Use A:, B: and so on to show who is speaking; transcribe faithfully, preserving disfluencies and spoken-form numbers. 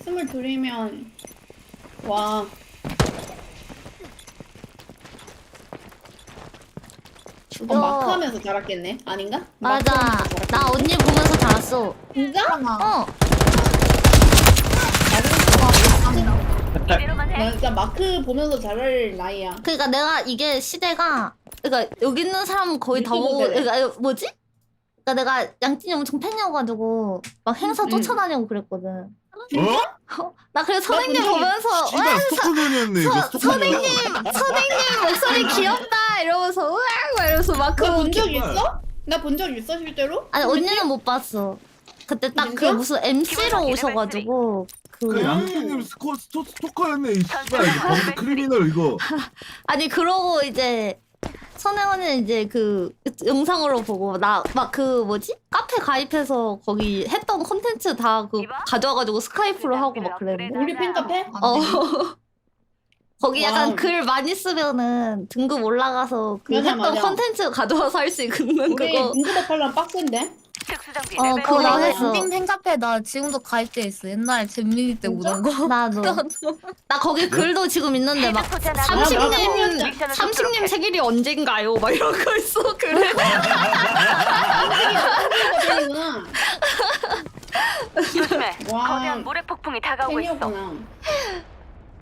A: 스물둘이면 와.
B: 죽여.
A: 어, 마크 하면서 자랐겠네? 아닌가?
B: 맞아.
A: 마크 하면서 자랐겠네.
B: 나 언니 보면서 자랐어.
A: 진짜?
B: 어.
C: 이대로만
A: 나
C: 해.
A: 진짜 마크 보면서 자랄 나이야.
B: 그러니까 내가 이게 시대가 그러니까 여기 있는 사람은 거의 다
A: 유튜브
B: 보고
A: 세대.
B: 그러니까 이거 뭐지? 그러니까 내가 양진이 엄청 팬이어가지고 막 행사
A: 응.
B: 쫓아다니고 그랬거든.
D: 어?
B: 나 그래서 선생님
A: 본 적이-
B: 보면서
D: 씨발 스토커견이었네 이거
B: 서,
D: 스토커견.
B: 선생님 선생님 목소리 귀엽다 이러면서 으악 막 이러면서 막
A: 나 본
B: 그
A: 적 있어? 나 본 적 있어 실제로?
B: 아니 언니는 못 봤어. 그때 딱 그
A: 진짜?
B: 무슨 엠씨로 오셔가지고
D: 그
B: 그
D: 양팀님 스코 스토 스토커였네 이 씨발 이거 범죄 크리미널 이거.
B: 아니 그러고 이제 선혜원은 이제 그 영상으로 보고 나 막 그 뭐지 카페 가입해서 거기 했던 콘텐츠 다 그 가져와가지고 스카이프로 하고 막 그랬는데
A: 우리 팬카페?
B: 어 거기 약간
A: 와우.
B: 글 많이 쓰면은 등급 올라가서 그
A: 맞아,
B: 했던
A: 맞아.
B: 콘텐츠 가져와서 할 수 있는
A: 우리
B: 그거
A: 등급업 하려면 빡센데?
C: 특수장비
B: 어,
C: 레벨
B: 그거
C: 사.
B: 나 했어.
E: 엔딩 팬카페 나 지금도 가입돼 있어. 옛날 잼민이 때
A: 진짜?
E: 오던 거.
B: 나도 나 거기 글도 지금 있는데 막
C: 헤드포트 하나
B: 삼십님
C: 미션을
B: 삼십님
C: 돕도록 해.
B: 생일이 언젠가요? 막 이런 거 있어 그래
A: 팬이구나.
C: 조심해.
A: 와.
C: 거대한 모래 폭풍이 다가오고 있어.
A: 팬이었구나.